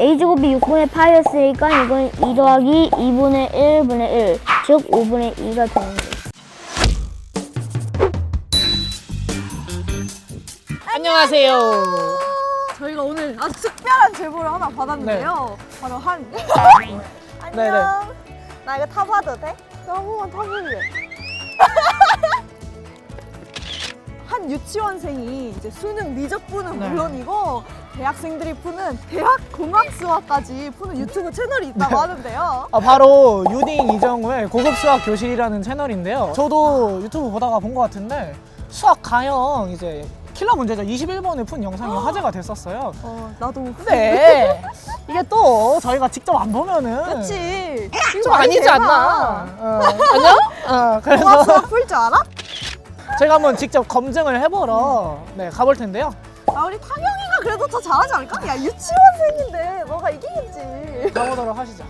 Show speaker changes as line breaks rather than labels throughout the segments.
a제곱이 6분의 파이였으니까 이건 2 더하기 2분의 1분의 1, 즉 5분의 2가 되는 거예요.
안녕하세요.
저희가 오늘 아주 특별한 제보를 하나 받았는데요. 바로 한 안녕.
네네.
나 이거 타봐도 돼? 나 한 번만 타볼래. 한 유치원생이 이제 수능 미적분은
네.
물론이고 대학생들이 푸는 대학 공학 수학까지 푸는 유튜브 채널이 있다고 하는데요.
바로 유딩 이정우의 고급 수학 교실이라는 채널인데요. 저도 유튜브 보다가 본 것 같은데 수학 가형 이제 킬러 문제죠. 21번을 푼 영상이 화제가 됐었어요.
나도.
근데 이게 또 저희가 직접 안 보면은
그치.
좀 아니지 않나. 아니요?
공학
그래서
수학 풀 줄 알아?
제가 한번 직접 검증을 해보러 가볼 텐데요.
우리 탕영이가 그래도 더 잘하지 않을까? 야, 유치원생인데 너가 이기겠지.
가보도록 하시죠.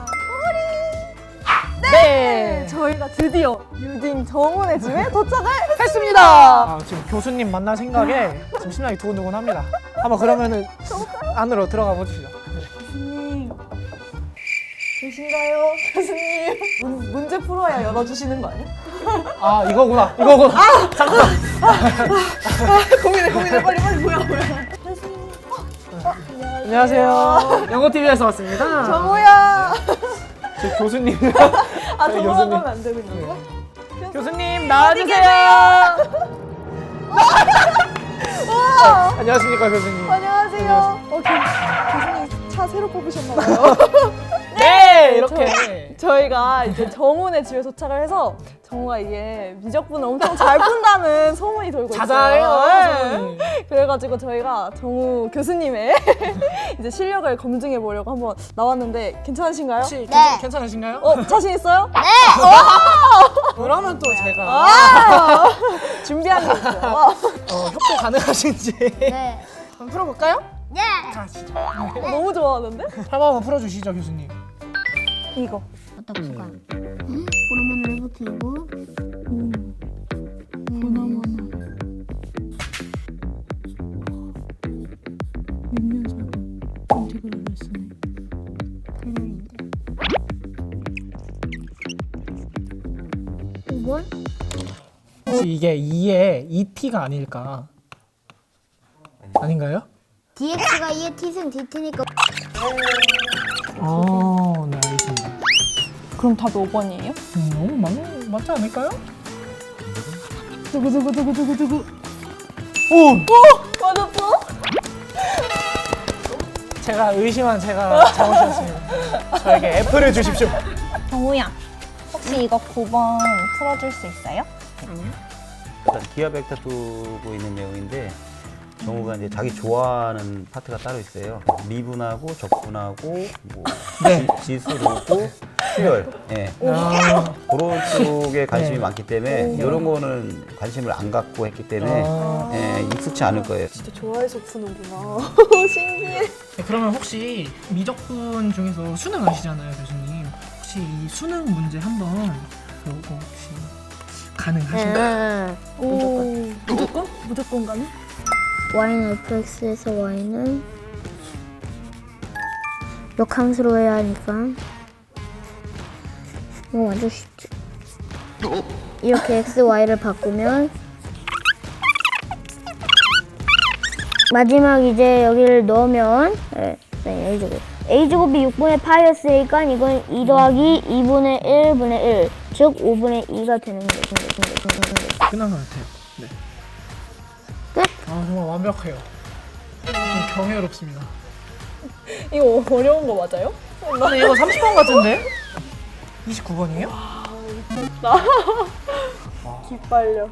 네! 저희가 드디어 유딩 정훈의 집에 도착을
했습니다. 지금 교수님 만날 생각에 지금 심장이 두근두근합니다. 한번 그러면은 안으로 들어가 보시죠.
교수님 계신가요? 교수님 문제 풀어야 열어주시는 거 아니야?
이거구나. 잠깐만.
고민해 빨리 뭐야 교수님
안녕하세요. 영어TV에서 왔습니다.
정우야.
저 교수님.
정우라고
교수님.
하면 안 되는 건가?
교수님 나와주세요. 안녕하십니까 교수님.
안녕하세요. 교수님 차 새로 뽑으셨나봐요.
네 이렇게.
저희가 이제 정훈의 집에 도착을 해서 정우가 이게 미적분을 엄청 잘 푼다는 소문이 돌고 있어요.
자자해요.
네. 그래가지고 저희가 정우 교수님의 이제 실력을 검증해 보려고 한번 나왔는데 괜찮으신가요?
혹시
네.
괜찮으신가요?
자신 있어요?
네!
그러면 또 제가
준비한 게 있어요.
협조 가능하신지
네.
한번 풀어볼까요?
네!
자 진짜.
너무 좋아하는데?
한번 풀어주시죠 교수님.
이거.
어떤 수가? 보너먼을 해보기고
보너먼. 몇 년 살고 인테그랄을 쓰네.
대명인데 5번?
혹시 이게 2의 2t가 아닐까? 아닌가요?
dx가 2의 t승 dt니까
네 알겠습니다.
그럼 답이 5번이에요?
맞지 않을까요?
두구두구두구두구두구.
오!
맞았어?
제가 의심한 제가 잘못이었습니다. 저에게 F를 주십시오.
정우야, 혹시 이거 9번 풀어줄 수 있어요?
일단 기하 벡터 두고 있는 내용인데 정우가 이제 자기 좋아하는 파트가 따로 있어요. 미분하고 적분하고 뭐
네.
지수로고 수열, 예. 그런 쪽에 관심이 많기 때문에 이런 거는 관심을 안 갖고 했기 때문에 예, 익숙치 않을 거예요.
진짜 좋아해서 푸는구나. 신기해.
네, 그러면 혹시 미적분 중에서 수능 아시잖아요 교수님. 혹시 이 수능 문제 한번 요거 혹시 가능하신가요?
무조건 가네?
y는 fx에서 y는 역함수로 해야 하니까 이거 완전 쉽지. 이렇게 x, y를 바꾸면 마지막 이제 여기를 넣으면 a제곱이 6분의 파이였으니까 이건 2 더하기 2분의 1분의 1, 즉 5분의 2가 되는 거죠.
끝난 것 같아요. 네.
끝?
정말 완벽해요. 좀 경이롭습니다.
이거 어려운 거 맞아요?
근데 이거 30번 같은데? 29번이에요?
기빨려.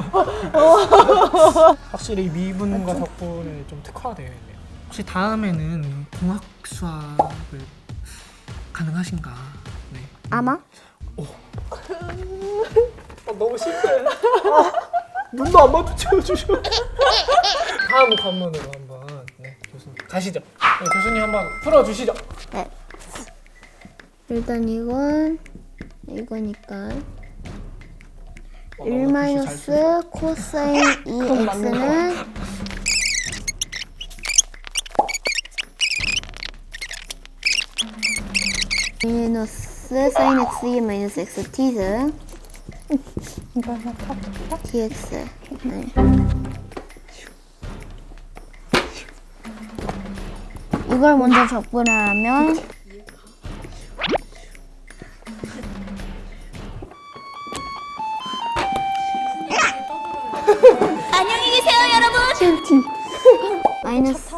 확실히 미분과 적분에 좀 특화되어 있네요. 혹시 다음에는 공학 수학을 가능하신가? 네.
아마?
너무 심해. 눈도 안 마주쳐주셔. 다음 관문으로 한번 교수님 가시죠. 네, 교수님 한번 풀어주시죠.
네. 일단 이거니까 1 마이너스 코사인 2x는 마이너스 사인 x 마이너스 x t승 dx. 네. 이걸 먼저 적분하면 안녕히 계세요 여러분. 마이너스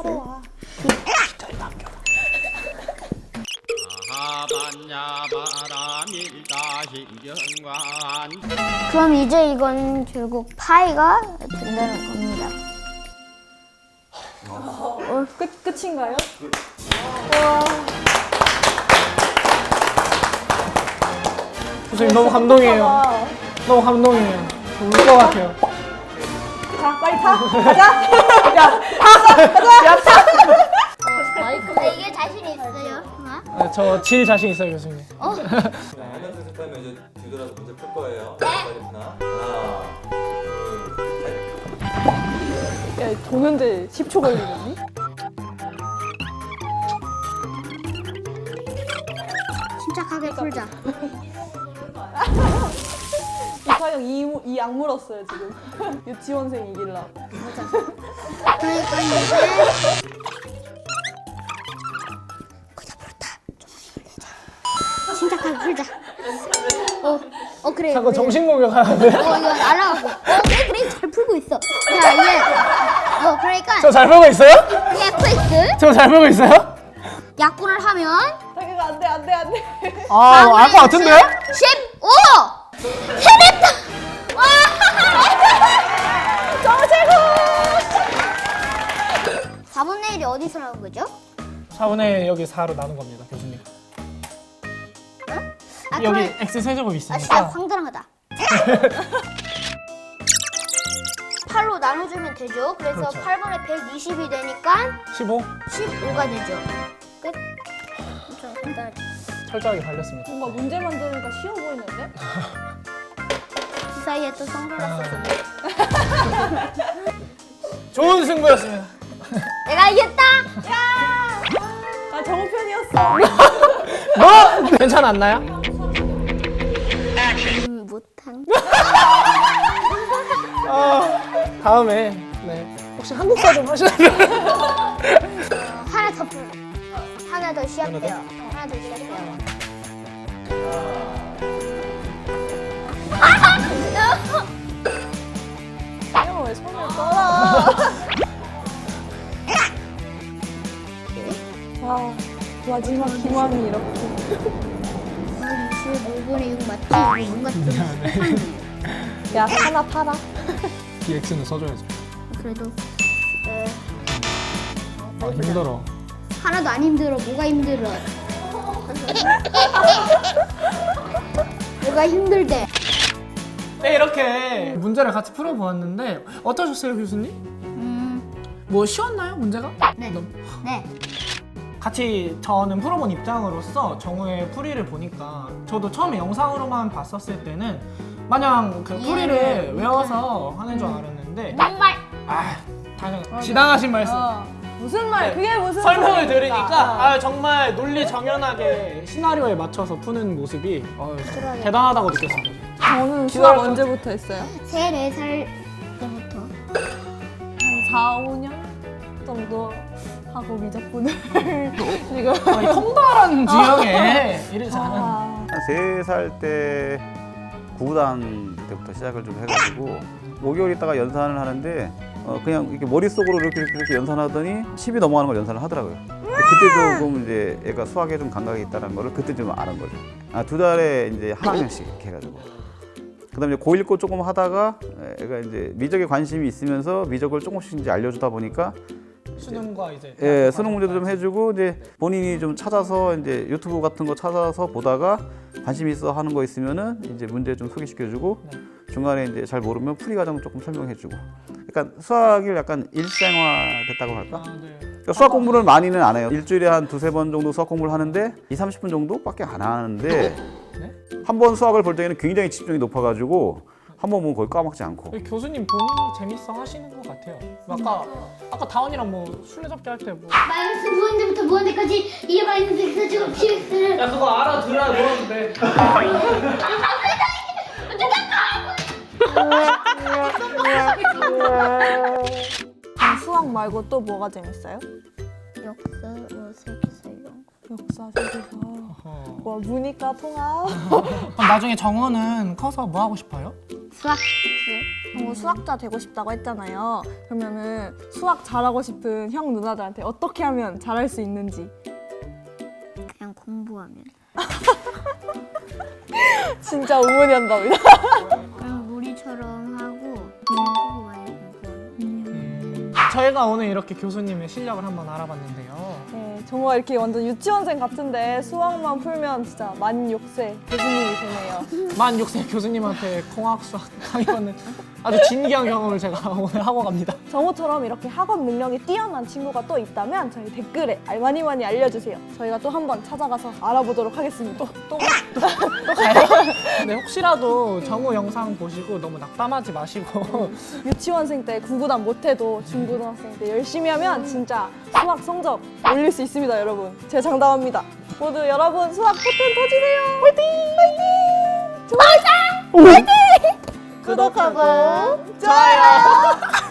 그럼 이제 이건 결국 파이가 된다는 겁니다.
끝인가요?
교수님 너무 감동이에요. 너무 감동이에요. 울 것 같아요.
자, 빨리 타. 가자.
이게 자신 있어요?
저 질 자신 있어요, 교수님.
하나 둘 셋 하면 이제 뒤돌아서 문제 풀 거예요. 빨리 하나, 둘, 셋.
야, 도면제 10초 걸리겠니?
침착하게 풀자.
이파영 이 악물었어요 지금. 유치원생 이길라.
그러니까 이제 침착하게 풀자. 그래.
자꾸
그래.
정신 공격하는데.
이거 날아가고. 그래 잘 풀고 있어. 자 이제 그러니까
저 잘 보고 있어요?
fx
저 잘 보고 있어요?
약분을 하면
자기가 안돼.
알 것 같은데요?
15! 해냈다! 와!
너무 최고!
4분의 1이 어디서 나온 거죠?
4분의 여기 4로 나눈 겁니다, 교수님. 여기 x 세제곱
진짜
있으니까.
황당하다. 8로 나눠주면 되죠. 그래서
그렇죠.
8분의 120이 되니까
15
15가 되죠. 끝. 엄청 간단하죠.
철저하게 달렸습니다.
뭔가 문제 만드니까 쉬워 보이는데?
그 사이에 또 선글라스 썼네.
좋은 승부였습니다.
내가 이겼다!
아 정우 편이었어.
뭐? 괜찮았나요?
못한.
다음에 혹시 한국사 좀 하시나요?
하나 더 풀. 하나 더 시작해요. 하나 더 시작해요.
형 왜 손을 떠라? 와 마지막 기왕이 이렇게.
25분의 6 맞지? 이거 뭔가 좀 이상해.
야 하나 팔아.
DX는 써줘야죠.
그래도
힘들어.
하나도 안 힘들어. 뭐가 힘들어? 뭐가 힘들대?
네, 이렇게 문제를 같이 풀어보았는데 어떠셨어요, 교수님? 뭐 쉬웠나요, 문제가?
네.
너무-
네.
같이 저는 풀어본 입장으로서 정우의 풀이를 보니까 저도 처음에 영상으로만 봤었을 때는 마냥 그 풀이를
이해를
외워서 하는 줄 알았는데
정말
당연 지당하신 말씀.
무슨 말?
네.
그게 무슨
설명을
말입니까?
들으니까 정말 논리 정연하게 시나리오에 맞춰서 푸는 모습이 대단하다고 느꼈습니다.
저는
기다렸다.
수학 언제부터 했어요?
3, 4살 때부터.
한 4, 5년 정도 하고 미적분을 지금
통달한 지형에 이르지 않은.
아,
한 3살 때 구구단 때부터 시작을 좀 해가지고 5개월 있다가 연산을 하는데 그냥 이렇게 머릿속으로 이렇게 연산하더니 10이 넘어가는 걸 연산을 하더라고요. 근데 그때 조금 이제 애가 수학에 좀 감각이 있다는 거를 그때 좀 아는 거죠. 2달에 이제 한 학년씩 이렇게 해가지고. 그다음에 이제 고1 거 조금 하다가 애가 이제 미적에 관심이 있으면서 미적을 조금씩 이제 알려주다 보니까
수능과 이제
수능 문제도 좀 해주고 이제 본인이 좀 찾아서 이제 유튜브 같은 거 찾아서 보다가 관심 있어 하는 거 있으면은 이제 문제 좀 소개시켜주고 중간에 이제 잘 모르면 풀이 과정 조금 설명해주고. 약간 수학이 약간 일상화 됐다고 할까?
네.
그러니까 수학 공부를 많이는 안 해요. 일주일에 한 2-3번 정도 수학 공부를 하는데 20-30분 정도밖에 안 하는데 한 번 수학을 볼 때에는 굉장히 집중이 높아가지고 한 번 보면 거의 까먹지 않고.
교수님 본인이 재밌어 하시는 것 같아요. 아까 다원이랑 뭐 술래잡기 할 때 뭐.
마이너스 무한대부터 무한대까지 이게 마이너스 x 제곱 px를
야 그거 알아들어야 뭐라는데.
수학 말고 또 뭐가 재밌어요?
역사, 뭐 세계사 이런 거.
역사, 세계사. 와, 문이과 통합.
그럼 나중에 정우는 커서 뭐 하고 싶어요?
수학.
수학자 되고 싶다고 했잖아요. 그러면은 수학 잘하고 싶은 형 누나들한테 어떻게 하면 잘할 수 있는지.
그냥 공부하면.
진짜 우문현답니다.
그냥 우리처럼 하고 공부 많이 공부하면.
저희가 오늘 이렇게 교수님의 실력을 한번 알아봤는데요.
네, 정말 이렇게 완전 유치원생 같은데 수학만 풀면 진짜 만 6세 교수님이 되네요.
만 6세 교수님한테 공학 수학 강의받는 아주 진기한 경험을 제가 오늘 하고 갑니다.
정우처럼 이렇게 학업 능력이 뛰어난 친구가 또 있다면 저희 댓글에 많이 알려주세요. 저희가 또 한번 찾아가서 알아보도록 하겠습니다.
또 가요? 근데 혹시라도 정우 영상 보시고 너무 낙담하지 마시고
유치원생 때 구구단 못해도 중고등학생 때 열심히 하면 진짜 수학 성적 올릴 수 있습니다, 여러분. 제가 장담합니다. 모두 여러분 수학 포텐 터지세요. 화이팅! 화이팅! 좋아요! 화이팅! 구독하고 좋아요!